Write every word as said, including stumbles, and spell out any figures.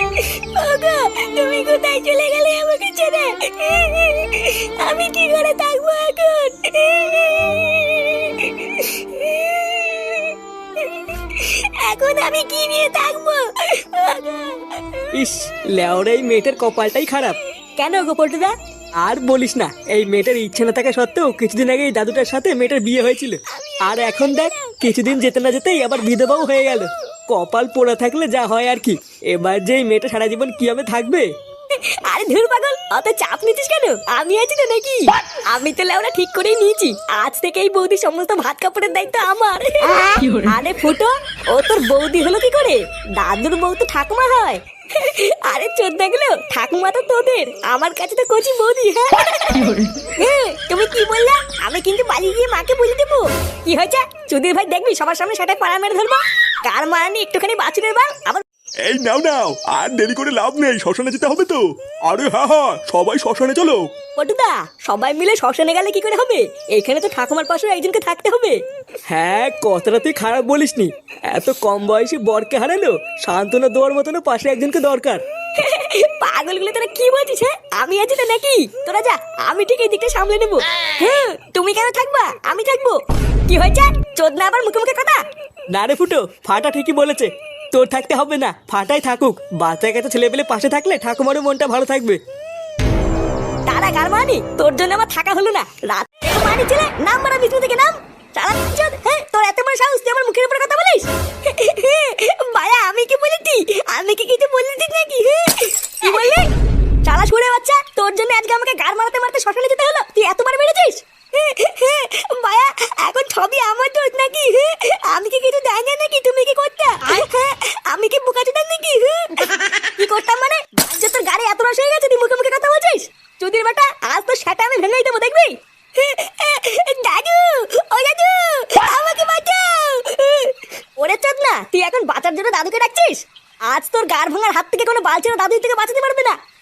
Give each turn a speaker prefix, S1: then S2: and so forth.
S1: ওগো, তুমি কোথায় চলে গেলে আমাকে ছেড়ে? আমি কি করে থাকবো এখন? এখন আমি কি নিয়ে থাকবো?
S2: ইস, লেওরা এই মেয়েটার কপালটাই খারাপ।
S1: কেন গো পল্টুদা?
S2: আর বলিস না, এই মেয়েটার ইচ্ছে না থাকা সত্ত্বেও কিছুদিন আগে এই দাদুটার সাথে মেয়েটার বিয়ে হয়েছিল। আর এখন দেখ, কিছুদিন যেতে না যেতেই আবার বিধবাও হয়ে গেল। কপাল পোড়া থাকলে যা হয় আর কি। এবার যে এই মেয়েটা সারা জীবন কিভাবে থাকবে?
S1: আরে ধুর পাগল, অত চাপ নিতিস কেন? আমি আছি তো নাকি? আমি তো লেওরা ঠিক করেই নিয়েছি, আজ থেকে এই বৌদি সমস্ত ভাত কাপড়ের দায়িত্ব আমার। আরে ফুটো, ও তোর বৌদি হলো কি করে? দাদুর বউ তো ঠাকুমা হয়। আরে চোদ্দা গেলো, ঠাকুমা তো তোদের, আমার কাছে তো কচি বৌদি। হ্যাঁ, তুমি কি বললা? আমি কিন্তু পালিয়ে গিয়ে মাকে বলে দেবো। কি হয়েছে? চুদির ভাই দেখবি সবার সামনে সেটা পাড়া মেরে ধরবো। কার মারানি একটুখানি বাছুরের বাল আবার।
S3: এই নাও নাও, আর দেরি করে লাভ নেই, শ্মশানে যেতে হবে তো। আরে হ্যাঁ হ্যাঁ, সবাই শ্মশানে চলো।
S1: পটুদা, সবাই মিলে শ্মশানে গেলে কি করে হবে? এখানে তো ঠাকুমার পাশে একজনকে থাকতে হবে।
S2: হ্যাঁ, কথাটা তুই খারাপ বলিসনি। এত কম বয়সে বরকে হারালো, সান্ত্বনা দেওয়ার মতনও পাশে একজনকে দরকার।
S1: পাগলগুলো তোরা কি বলছিস? হ্যাঁ, আমি আছি তো নাকি? তোরা যা, আমি ঠিক এই দিকটা সামলে নেবো। হ্যাঁ, তুমি কেন থাকবা? আমি থাকবো। কি হয়েছে? চোদনা আবার মুখে মুখে কথা।
S2: না রে ফুটো, ফাটা ঠিকই বলেছে। তোর থাকতে হবে না, ফাটাই থাকুক। বাচ্চা কাছে ছেলে পেলে পাশে থাকলে ঠাকুমারও মনটা ভালো থাকবে।
S1: তারা কার মানি? তোর জন্য আমার থাকা হলো না। রাত মানি ছেলে, নাম মারা বিষ্ণু থেকে নাম। চালা চোদ, হ্যাঁ, তোর এত বড় সাহস, তুই আমার মুখের উপরে কথা বলিস? ভাইয়া, আমি কি বলেছি? আমি কি কিছু বলেছি নাকি? কি বললি? চালা ছুড়ে বাচ্চা, তোর জন্য আজকে আমাকে গার মারতে মারতে শ্মশানে যেতে হলো। তুই এতবার বেড়েছিস? ভাইয়া, এখন সবই আমার দোষ নাকি? আমি কি কিছু জানি না নাকি? তুমি কি করতে? আমি কি বোকা চোদা নাকি? কি করতাম মানে? আজ তোর গাড়ি এত রস হয়ে গেছে, তুই মুখে মুখে কথা বলছিস? চুদির বেটা, আজ তো সেটা আমি ভেঙেই দেবো, দেখবি? দাদু, ও দাদু, আমাকে বাঁচাও। ওরে চোদ না, তুই এখন বাঁচার জন্য দাদুকে ডাকছিস? আজ তোর গার ভাঙার হাত থেকে কোনো বালছেনা দাদু থেকে বাঁচাতে পারবে না।